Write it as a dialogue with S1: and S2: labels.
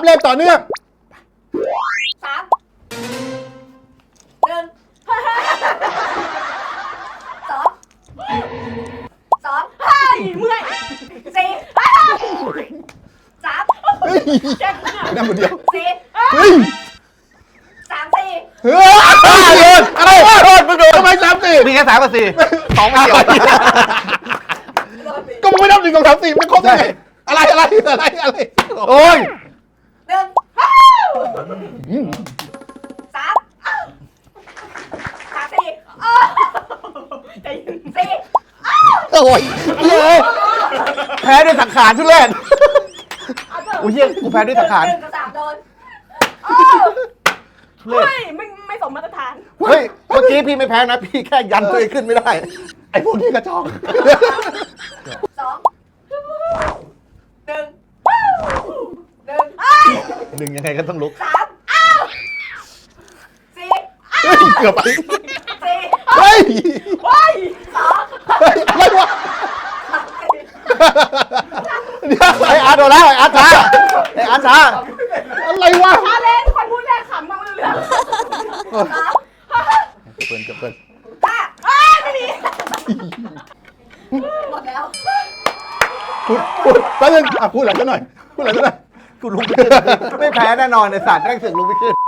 S1: เล่นต่อเนื่อง
S2: 3 1 2 เฮ้ยเมื่อย4 3
S1: เฮ้ยนั่งคนเดียว
S2: 4
S1: เฮ้ย
S2: 3 4
S1: เฮ้ยโดนอะไรโดนมึงโดนทำไม3-4
S3: มีแค่3 กับ 4 2 ไม่เกี่ยว
S1: ก็มึงไม่นับ1 2 3 4มันครบได้ไงอะไร
S3: โอ้ย
S2: 1 3 4 4
S1: โอ้ย
S3: แพ้ด้วยสังขารทุเรศอุ้ยเฮียกูแพ้ด้วยสังขาร
S2: 1 กับ 3 โดน
S3: ทุเรศ
S2: เฮ้ยไม่สมมาตรฐาน
S3: เฮ้ยเมื่อกี้พี่ไม่แพ้นะพี่แค่ยันตัวเองขึ้นไม่ได้
S1: ไอ้พวกนี้กระจอก
S2: 2 1
S3: หนึ่งยังไงก็ต้องลุก
S2: 3 4
S1: เฮ้ยเกือบไป
S2: 4
S1: เฮ้ย
S2: 2
S1: เฮ้ยอะไรวะเดี๋ยว
S3: ไอ้อาร์ตโดนแล้วไอ้อาร์ตช้าไอ้อาร์ตช้า
S1: อะไรวะ
S2: พาเล่นคนพูดแรกขำมาเรื่อง3
S1: เปิด
S2: ไม่มีหมดแล้ว
S1: พูดแป๊บนึงพูดอะไรกันหน่อยพูดอะไรกันหน่อย
S3: กูลุกไม่ขึ้นไม่แพ้แน่นอนไอ้สัตว์แม่งเสือกลุกไม่ขึ้น